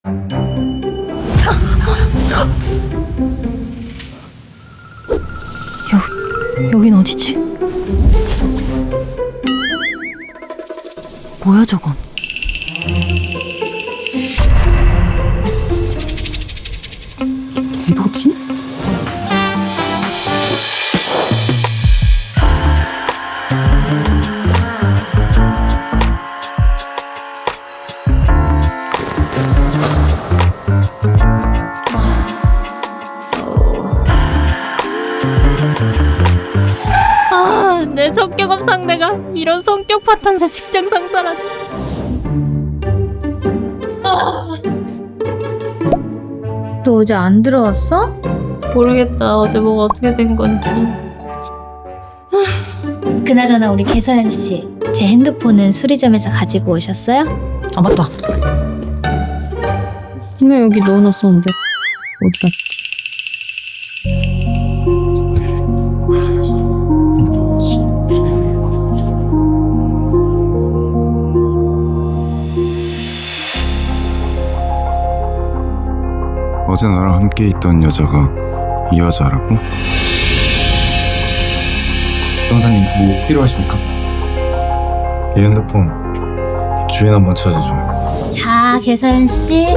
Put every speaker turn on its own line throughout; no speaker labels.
여긴 어디지? 뭐야 저건?
개도진?
내 첫 경험 상대가 이런 성격 파탄자 직장 상사라니.
너 어제 안 들어왔어?
모르겠다. 어제 뭐가 어떻게 된 건지.
그나저나 우리 개서연 씨, 제 핸드폰은 수리점에서 가지고 오셨어요?
아 맞다.
분명 여기 넣어놨었는데 어디 갔지?
어제 나랑 함께 있던 여자가 이 여자라고?
변호사님 뭐 필요하십니까?
이 핸드폰 주인 한번 찾아줘요.
자, 개서연 씨.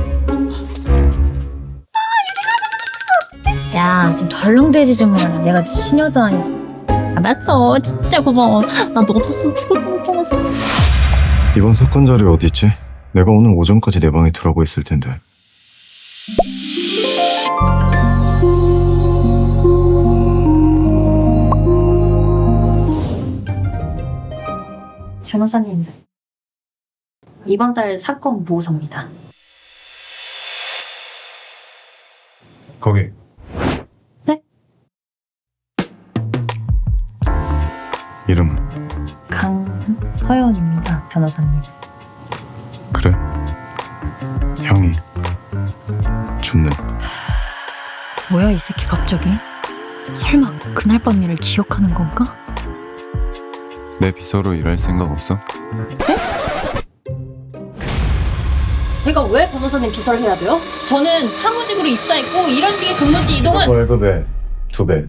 야, 좀 덜렁대지 좀 마. 내가 시녀도 아니고.
알았어. 진짜 고마워. 나 너 없었으면 죽을 뻔했잖아.
이번 사건 자료 어디 있지? 내가 오늘 오전까지 내 방에 들어가고 있을 텐데.
변호사님, 이번 달 사건 보고서입니다.
거기.
네?
이름은?
강서연입니다, 변호사님.
그래? 형이 좋네.
뭐야 이 새끼 갑자기? 설마 그날 밤 일을 기억하는 건가?
내 비서로 일할 생각 없어?
제가 왜 변호사님 비서를 해야 돼요? 저는 사무직으로 입사했고 이런 식의 근무지 이동은
월급의 2배.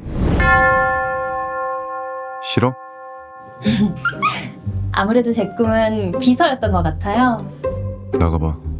싫어?
아무래도 제 꿈은 비서였던 것 같아요.
나가봐.